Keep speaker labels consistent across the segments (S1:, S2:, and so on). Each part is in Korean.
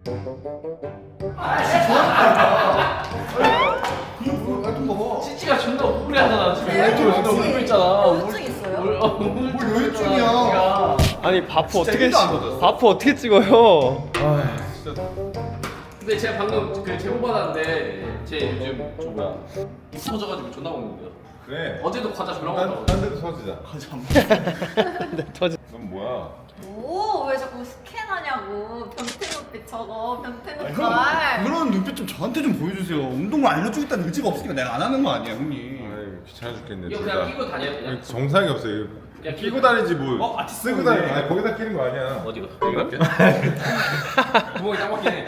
S1: 찌찌가 존나 우울해하잖아 지금. 존나 울고 있잖아.
S2: 우울증 있어요?
S3: 뭘 우울증이야.
S4: 아니 바프 어떻게 찍어요?
S3: 아 진짜.
S1: 근데 제가 방금 그 제보 받았는데 제 요즘 저 뭐야 터져가지고 존나 먹는데요.
S3: 그래.
S1: 어제도 과자 졸라 먹었다고.
S3: 딴 데도 서지자.
S4: 터지.
S3: 넌 뭐야?
S2: 오, 왜 자꾸 스캔하냐고. 변태 눈빛 저거, 변태 눈깔.
S5: 그런 눈빛 좀 저한테 좀 보여주세요. 운동을 알려주겠다는 의지가 없으니까 내가 안 하는 거 아니야, 형님.
S3: 아이 귀찮아 죽겠네.
S1: 이거
S3: 둘
S1: 그냥
S3: 다.
S1: 끼고 다녀요 그냥.
S3: 정상이 없어요.
S1: 그냥
S3: 끼고 다니지 뭐.
S5: 아티스트
S3: 쓰고 다니. 아니 거기다 끼는 거 아니야.
S1: 어디가? 여기가? 구멍이 딱 막히네.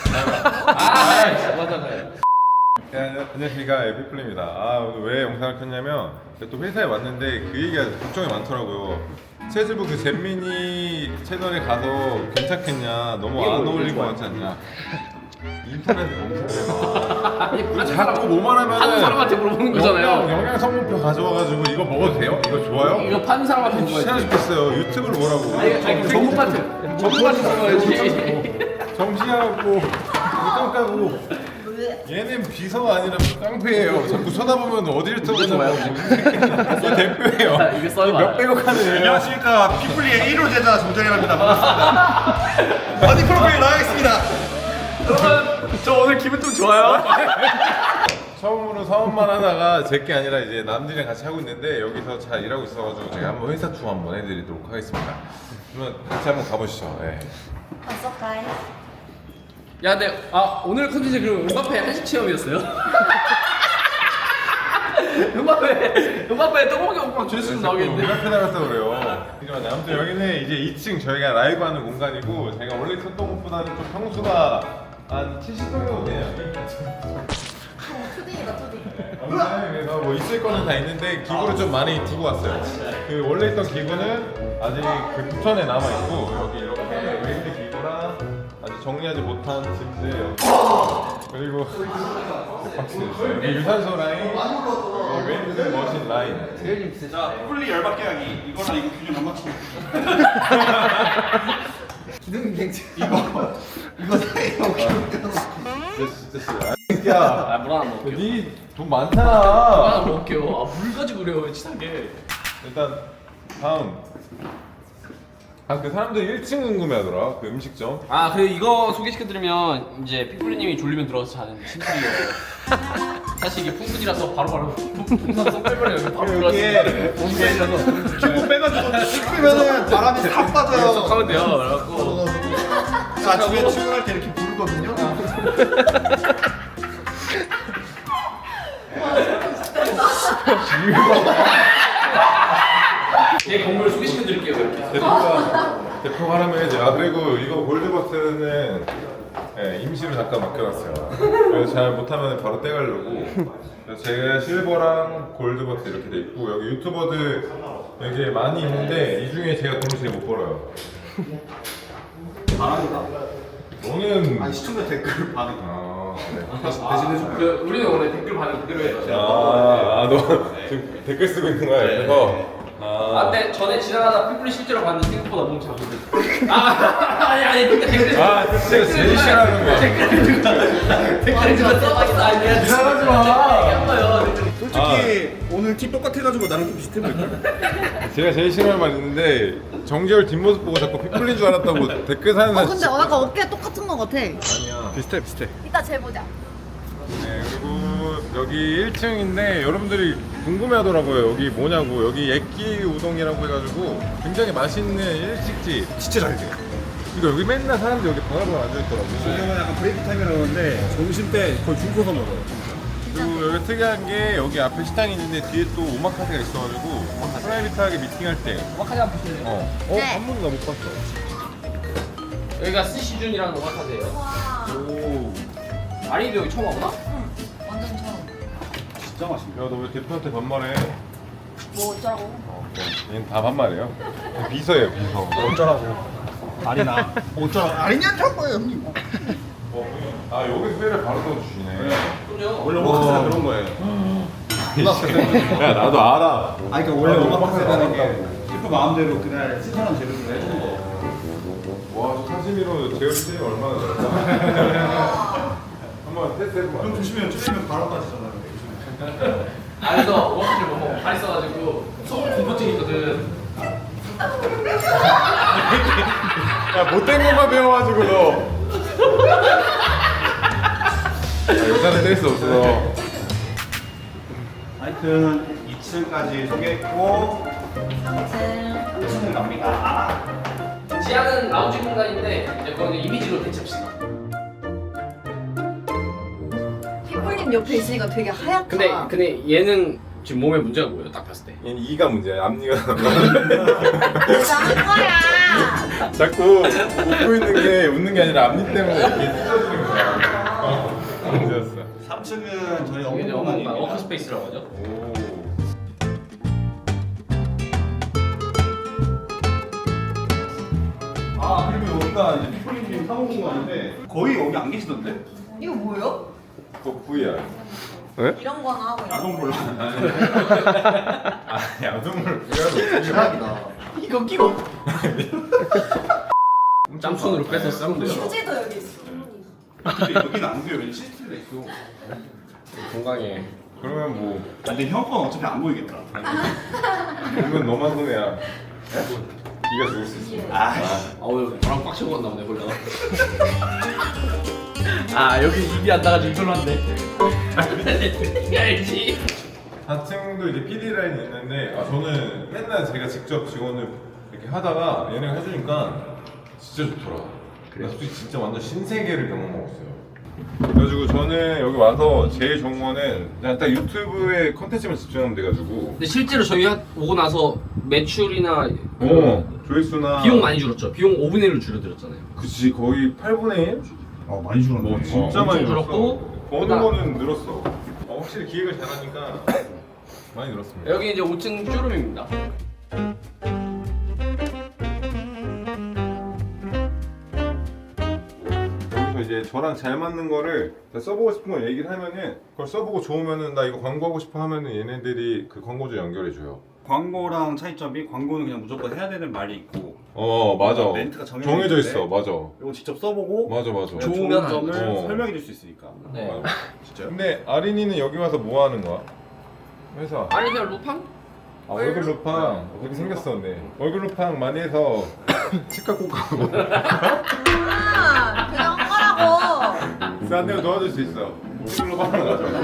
S1: 아, 맞아.
S3: 안녕하십니까 에피플입니다. 아 오늘 왜 영상을 켰냐면 또 회사에 왔는데 그 얘기가 걱정이 많더라고요. 체즈부 그 잼민이 채널에 가서 괜찮겠냐, 너무 안 어울릴 것 같지 않냐. 인터넷에 검색해봐. 자꾸 뭐만
S1: 파는
S3: 하면은
S1: 사람한테 물어보는 거잖아요.
S3: 영양 성분표 가져와가지고 이거 먹어도 돼요? 이거 좋아요?
S1: 이거 파는 사람한테
S3: 귀찮아
S1: 물어봐야지.
S3: 죽겠어요. 유튜브를 뭐라고?
S1: 아니 전문가한테 물어봐야지.
S3: 정시하고 이똥 까고. 얘는 비서가 아니라 깡패예요. 자꾸 쳐다보면 어디를 쳐다보냐고. 이게 대표예요.
S1: 이거 써요.
S3: 몇백억 하는 애예요.
S5: 안녕하십니까. 피플리의 1호 제자 조정현입니다. 반갑습니다. 바디 프로필 나가겠습니다.
S1: 여러분, 저 오늘 기분 좀 좋아요.
S3: 처음으로 사업만 하다가 제게 아니라 이제 남들이랑 같이 하고 있는데 여기서 잘 일하고 있어가지고 제가 한번 회사 투어 한번 해드리도록 하겠습니다. 그러면 같이 한번 가보시죠. 네.
S2: 벌써 가요?
S1: 야, 근데 오늘 컨텐츠 그럼 음바페 한식 체험이었어요? 음바페 떡볶이 먹방 조회수 나오겠는데?
S3: 우리가 나갔다 그래요. 잠깐만요. 아무튼 여기는 이제 2층 저희가 라이브 하는 공간이고 제가 원래 썼던 것보다는 좀 평수가 한 70 정도 돼요.
S2: 초딩이다, 초딩.
S3: 그래서 뭐 있을 거는 다 있는데 기구를 좀 많이 두고 왔어요. 그 원래 있던 기구는 아직 그 부천에 남아 있고 여기 이렇게 웨이트 기구랑 아직 정리하지 못한 침대 여기 그리고 박스 여기 유산소 라인 여기 웨이트 머신 라인.
S5: 자, 피플리 열받게 하기. 이거랑 이거 균형 안 맞추고. 이거 사이에
S3: 진짜 야,
S1: 물 하나 먹을게요.
S3: 니돈
S1: 물
S3: 많잖아.
S1: 하나 먹을게요. 물 가지고 그래요, 치사하게.
S3: 일단 다음. 그 사람들이 1층 궁금해하더라. 그 음식점.
S1: 그리고 이거 소개시켜드리면 이제 피플리님이 졸리면 들어가서 자는 침실이에요. 사실 이게 풍분이라서 바로바로 풍선 쏙 빼버려요. 바로
S5: 여기에
S1: 들어가서
S5: 큐브 빼가지고 찍으면은 바람이 싹 빠져요.
S1: 쏙 하면 돼요. 그래갖고
S5: 아침에 출근할 때 이렇게 부르거든요.
S1: 제 건물 소개시켜드릴게요. 이렇게.
S3: 대표가 하라면 해야지. 그리고 이거 골드버튼은 임시로 잠깐 맡겨놨어요. 그래서 잘 못하면 바로 떼가려고. 그래서 제가 실버랑 골드버튼 이렇게 돼 있고 여기 유튜버들 여기 많이 있는데 이 중에 제가 돈을 제일 못 벌어요. 너는
S5: 시청자 댓글 반응.
S3: 대신해줘.
S1: 우리는 원래 댓글 반응 그대로 해요.
S3: 너 지금 댓글 쓰고 있는 거야? 그래서
S1: 근데 전에 지나가다 피플리 실제로 봤는데 생각보다 몸 작은데. 아니 댓글.
S3: 진짜 제일 싫어하는 거야.
S1: 댓글 누가 써봤어? 아니 내가
S3: 이상하지 마.
S1: 얘기한 거예요.
S5: 솔직히 오늘 티 똑같아가지고 나랑 좀 비슷해 보일까?
S3: 제가 제일 싫어하는 말 있는데 정재열 뒷모습 보고 자꾸 피플린 줄 알았다고 댓글 사는 사람
S2: 근데 약간 어깨 똑같은 거 같아.
S3: 아니야.
S5: 비슷해.
S2: 이따 재보자.
S3: 네, 그리고 여기 1층인데 여러분들이 궁금해하더라고요. 여기 뭐냐고. 여기 액기 우동이라고 해가지고 굉장히 맛있는 일식집.
S5: 진짜 잘 돼요.
S3: 이거 여기 맨날 사람들이 여기 바글바글 앉아있더라고.
S5: 지금은 약간 브레이크 타임이라고 하는데 점심 때 거의 줄 서서 먹어요.
S3: 그리고 여기 특이한 게 여기 앞에 식당이 있는데 뒤에 또 오마카세가 있어가지고 프라이빗하게 미팅할 때
S1: 오마카세 한번 보실래요?
S2: 네.
S3: 한 번도 나 못 봤어.
S1: 여기가 스시준이라는 오마카세예요.
S2: 와,
S3: 오.
S1: 아리도 여기 처음 와보나?
S2: 완전 처음.
S5: 진짜 맛있네.
S3: 야, 너 왜 대표한테 반말해?
S2: 뭐 어쩌라고?
S3: 얘는 다 반말이에요. 비서예요, 비서.
S5: 어쩌라고. 아니나. 어쩌라고. 아니냐는 거예요, 형님.
S3: 여기 회를 바로 넣어주시네.
S1: 그럼요.
S5: 원래 오마카세가 그런 거예요.
S3: 야, 나도 알아.
S5: 그러니까 원래 오마카세라는 게 셰프 마음대로 그날 신선한 재료를 해주는 거.
S3: 와, 저 사진 1cm로 제어를 쓰면 얼마나 될까? 한번 테스트 해보면
S5: 좀 조심해요. 찔리면 바로 빠지잖아요.
S1: 안에서 워크를 못 먹고 발 있어가지고 속 공포증이 있거든.
S3: 야 못된 것만 배워가지고 너 여자는 뗄 수 없어.
S5: 하여튼 2층까지 소개했고 3층 갑니다.
S1: 지하는 라운지 공간인데 이제 거기는 이미지로 대체합시다.
S2: 피플님 옆에 있으니까 되게 하얗다.
S1: 근데 얘는 지금 몸에 문제가 뭐예요? 딱 봤을 때.
S3: 얘는 이가 문제야. 앞니가
S2: 내가 한 거야.
S3: 자꾸 웃고 있는 게 웃는 게 아니라 앞니 때문에 이렇게 찢어지는 거야. 문제였어.
S5: 3층은 저희
S1: 여기는
S5: 업무 공간입니다.
S1: 워크스페이스라고 하죠.
S3: 오.
S5: 아 그리고 여기가 이제 피플님 사무 공간인데 거의 여기 안 계시던데?
S2: 이거 뭐예요?
S3: 그거 V야.
S2: 이런 거나 하고 있는
S5: 야동 볼라.
S3: 아 야동을 V야로
S5: 대박이다.
S1: 이거 끼고 짬손으로 빼서 싸면 돼요.
S2: 휴지도 여기 있어.
S5: 근데 여기는 안 돼요. 왜냐면 CCTV가 있어.
S1: 건강해.
S3: 그러면 뭐
S5: 아, 근데 형 건 어차피 안 보이겠다.
S3: 보면 너만 손해야. 이가 죽을 수 있어.
S1: 아우 저랑 꽉 채고 갔나 보네 보려다. 아 여기 입이 안 나가지고 이걸로 한대. 알지.
S3: 4층도 이제 PD 라인이 있는데 저는 맨날 제가 직접 직원을 이렇게 하다가 얘네가 해주니까 진짜 좋더라. 그래. 솔직히 진짜 완전 신세계를 경험하고 있어요. 그래가지고 저는 여기 와서 제일 좋은 거는 그냥 딱 유튜브에 컨텐츠만 집중하면 돼가지고
S1: 근데 실제로 저희 오고 나서 매출이나
S3: 조회수나
S1: 비용 많이 줄었죠. 비용 5분의 1로 줄어들었잖아요.
S3: 그치 거의 8분의 1?
S5: 많이 줄었네.
S3: 뭐 진짜
S1: 엄청
S3: 많이
S1: 줄었고,
S3: 줄었고 버는
S1: 그다음-
S3: 거는 늘었어. 확실히 기획을 잘하니까 많이 늘었습니다.
S1: 여기 이제 5층 쇼룸입니다.
S3: 여기서 이제 저랑 잘 맞는 거를 써보고 싶은 걸 얘기를 하면은 그걸 써보고 좋으면은 나 이거 광고하고 싶어 하면은 얘네들이 그 광고주 연결해줘요.
S5: 광고랑 차이점이 광고는 그냥 무조건 해야 되는 말이 있고
S3: 맞아.
S5: 멘트가
S3: 정해져 있어. 맞아.
S5: 이거 직접 써보고
S3: 맞아.
S5: 그냥
S1: 좋으면
S5: 좋은 점을
S3: 하는 거.
S5: 설명해 줄 수 있으니까.
S1: 네.
S3: 맞아.
S5: 진짜요?
S3: 근데 아린이는 여기 와서 뭐 하는 거야? 회사.
S1: 아니 그냥 루팡?
S3: 얼굴 루팡 그렇게 생겼어. 근데 얼굴 루팡 많이 해서 치과 꼭 가고.
S2: 아, 그냥 하라고.
S3: 싼 데로 도와줄 수 있어. 얼굴 루팡 하나 가져.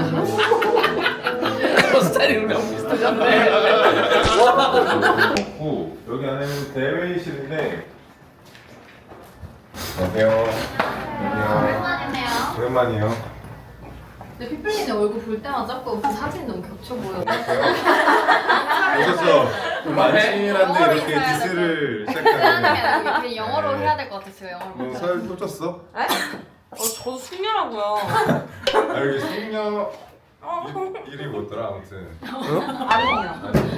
S1: 스타일이 우리랑 비슷하잖네.
S3: 오, 여기 안에는 대회의실인데. 안녕하세요. 안녕.
S2: 오랜만이네요.
S3: 오랜만이에요.
S2: 근데 피플님 얼굴 볼 때마다 자꾸 그 사진이 너무 겹쳐 보여.
S3: 오셨어. 만신이란데
S2: 영어로
S3: 이렇게
S2: 인사해야
S3: 디스를
S2: 미안하게
S3: 시작하네.
S2: 아니고 그냥 영어로 해야 될 것 같았어요. 영어로.
S3: 너살 또 쪘어?
S2: 저도 숙녀라고요.
S3: 아 여기 숙녀 이름이 뭐더라 아무튼.
S2: 아린이요.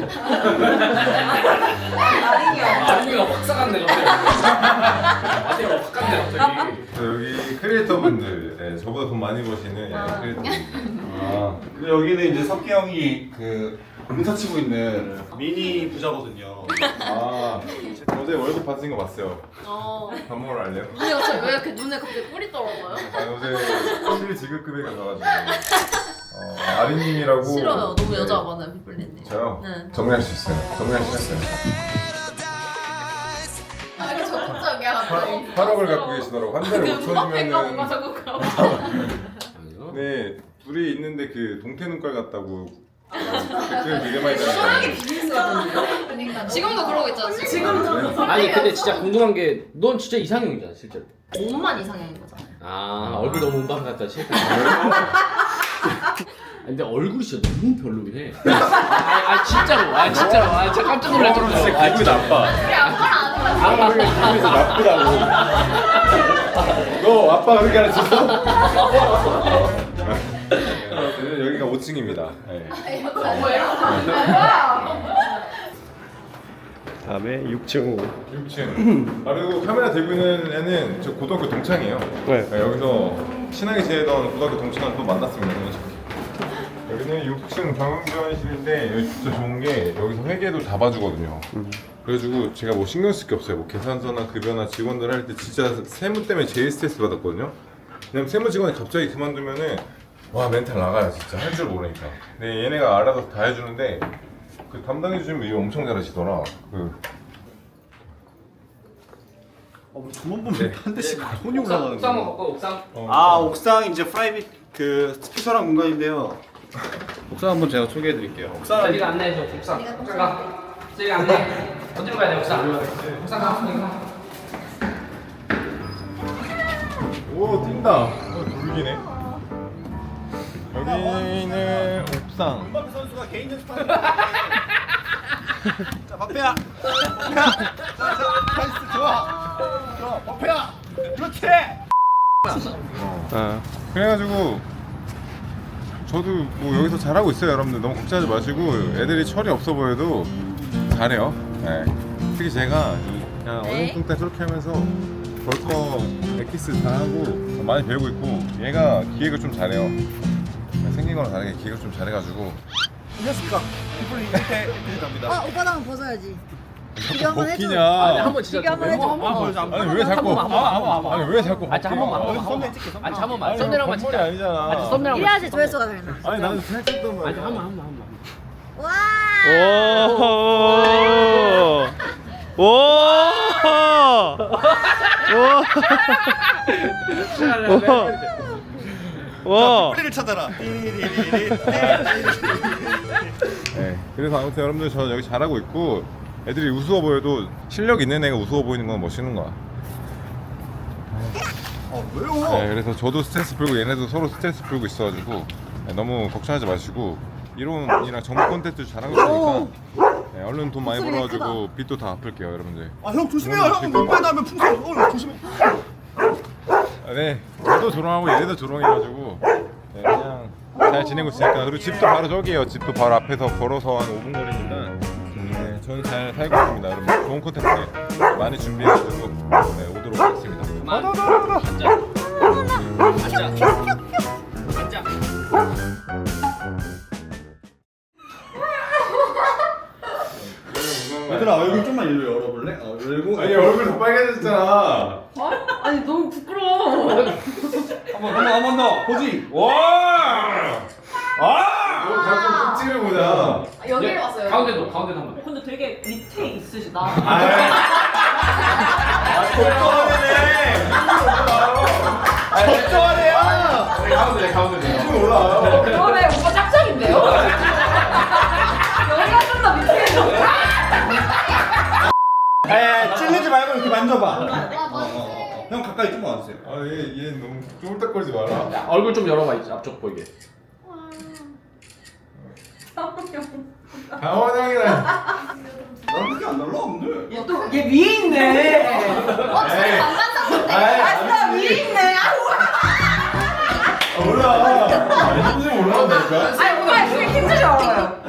S2: 아린이요.
S1: 아니가 확 싸갔네 갑자기. 아니가 확 갔네 갑자기.
S3: 여기 크리에이터분들, 네, 저보다 돈 많이 버시는 크리에이터분들.
S5: 그리고 여기는 이제 석기 형이 그 공사 치고 있는 미니 부자거든요.
S3: 어제 월급 받은 거 봤어요. 밥 먹으러 갈래요?
S2: 왜 이렇게 눈에 갑자기 뿔이 떨어져요?
S3: 어제 실지급급에 가가지고 아린님이라고.
S2: 싫어요. 너무
S3: 네.
S2: 여자 많아요, 피플님.
S3: 저요?
S2: 네.
S3: 정리할 수 있어요. 정리할 수 있어요.
S2: 아, 이게 적극적이야, 갑자기.
S3: 8억을 갖고 계시더라고. 한 달에
S2: 그 뭔가 뭔가
S3: 5천이면은.
S2: 자꾸 그러고.
S3: 네, 둘이 있는데 그 동태눈깔 같다고 댓글 되게 많이 달았어요.
S2: 그러니까 지금도 그러고 있잖아. 지금도.
S1: 아니 근데 진짜 궁금한 게 넌 진짜 이상형이잖아 실제로.
S2: 몸만 이상형인 거잖아요.
S1: 아 얼굴 너무 운반 같다 싫다. 근데 얼굴이 진짜 너무 별로긴 해. 진짜로. 진짜 깜짝 놀랄 정도로.
S3: 진짜 기분이 나빠.
S2: 우리 아빠랑 아는 거야.
S3: 기분이 나쁘다고. 너 아빠가 그렇게 가르쳤어? 여기가 5층입니다. 네.
S4: 다음에 6층.
S3: 6층. 그리고 카메라 들고 있는 애는 저 고등학교 동창이에요.
S4: 네.
S3: 여기서 친하게 지내던 고등학교 동창을 또 만났습니다. 여기는 6층 경영지원실인데 여기 진짜 좋은 게 여기서 회계도 다 봐주거든요. 그래가지고 제가 뭐 신경 쓸 게 없어요. 뭐 계산서나 급여나 직원들 할 때 진짜 세무 때문에 제일 스트레스 받았거든요. 왜냐면 세무 직원이 갑자기 그만두면은 와 멘탈 나가요 진짜 할 줄 모르니까. 근데 얘네가 알아서 다 해주는데 그 담당해주시면 이거 엄청 잘하시더라.
S5: 두번 보면 한 대씩 손이 올라가는
S1: 옥상
S5: 거.
S1: 먹고 옥상.
S5: 아 옥상 이제 프라이빗 그 스페셜한 공간인데요. 옥상 한번 제가 소개해 드릴게요. 옥상
S1: 저리가 안내해줘. 옥상. 옥상 가. 저리가 안내. 어디로 가야 돼 옥상? 옥상 가.
S3: 오 뛴다. 돌기네. 여기는 옥상.
S5: 음바페 선수가 개인 연습하는 자 바페야. 나이스 좋아. 바페야. 그렇지.
S3: 그래가지고 저도 뭐 여기서 잘하고 있어요. 여러분들 너무 걱정하지 마시고 애들이 철이 없어 보여도 잘해요. 네. 특히 제가 그냥 어중뚱땅 저렇게 하면서 벌써 엑기스 다 하고 많이 배우고 있고 얘가 기획을 좀 잘해요. 생긴 거랑 다르게 기획을 좀 잘해가지고
S5: 안녕하십니까. 피플 이때 갑니다.
S2: 오빠 랑 벗어야지.
S3: 자꾸
S1: 아니
S3: 벗기냐?
S1: 한번 진짜.
S2: 비교 한번 해줘.
S3: 아니 왜 자꾸 아니 왜 자꾸
S1: 아, 한 번만. 아니 한 번만. 썸네일만
S3: 선물이
S1: 찍자.
S3: 아니잖아.
S1: 아니 썸네일만.
S2: 이래야지 조회수가 되나.
S3: 아니 나는 살쪘단 말이야.
S1: 아니 한 번만.
S2: 와.
S4: 오. 와.
S5: 뿌리를 찾아라.
S3: 네, 그래서 아무튼 여러분들 저는 여기 잘하고 있고 애들이 우스워 보여도 실력 있는 애가 우스워 보이는 건 멋있는 거야.
S5: 왜요?
S3: 네, 그래서 저도 스트레스 풀고 얘네도 서로 스트레스 풀고 있어가지고 네, 너무 걱정하지 마시고 이론이랑 정보 콘텐츠 잘하고 있으니까 네, 얼른 돈 많이 벌어가지고 빚도 다 갚을게요 여러분들.
S5: 아 형 조심해요. 형 몸매도 하면 풍선. 조심해.
S3: 네, 저도 조롱하고 얘네도 조롱해가지고 네, 그냥 잘 지내고 있으니까. 그리고 집도 바로 저기에요. 집도 바로 앞에서 걸어서 한 5분 거리니까 네, 저는 잘 살고 있습니다. 여러분 좋은 콘텐츠 많이 준비해가지고 네, 오도록 하겠습니다.
S1: 앉아.
S5: 얘들아 얼굴 좀만 일로 열어볼래? 열고.
S3: 아니 얼굴 더 빨개졌잖아.
S2: 아니 너무 부끄러워.
S5: 한번 더. 포징.
S3: 와! 아! 너 자꾸 끝집을 보자.
S2: 여기에 왔어요.
S1: 가운데도 한번.
S2: 근데 되게 밑에 있으시다.
S5: 걱정하네요.
S1: 가운데.
S3: 올라와요.
S2: 그러네 오빠 짝짝인데요? 여기가 좀 더 밑에 있어.
S5: 찔리지 말고 이렇게 만져봐. 형 가까이 좀 와주세요.
S3: 아, 얘 너무 쫄딱거리지 마라.
S1: 야, 얼굴 좀 열어봐 이제 앞쪽 보이게.
S3: 강원영이랑
S5: 난 그렇게 안 달라 근데.
S2: 얘 위에 있네.
S3: 에이.
S2: 나 위에 있네.
S3: 올라. 힘좀 올라간다니까.
S2: 아니 오빠 그게 힘들지 않아요.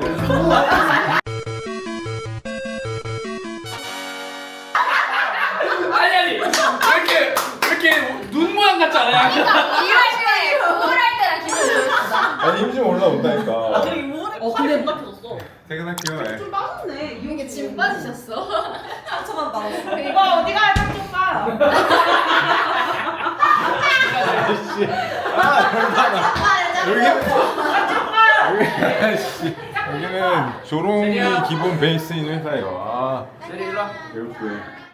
S1: 아니 왜 이렇게 눈 모양 같지 않아요?
S2: 일할 때 우울할 때랑 기분 좋았어.
S3: 아니 힘 좀 올라온다니까.
S2: 근데 누가 펴졌어?
S3: 퇴근할게요. 네.
S2: 빠졌네. 이게 짐 빠지셨어. 상처만 받았어. 오빠 어디 가요? 좀 봐.
S3: 여기는 조롱이 기본 베이스인 회사예요. 아,
S1: 세리 일로 와.
S3: 이렇게.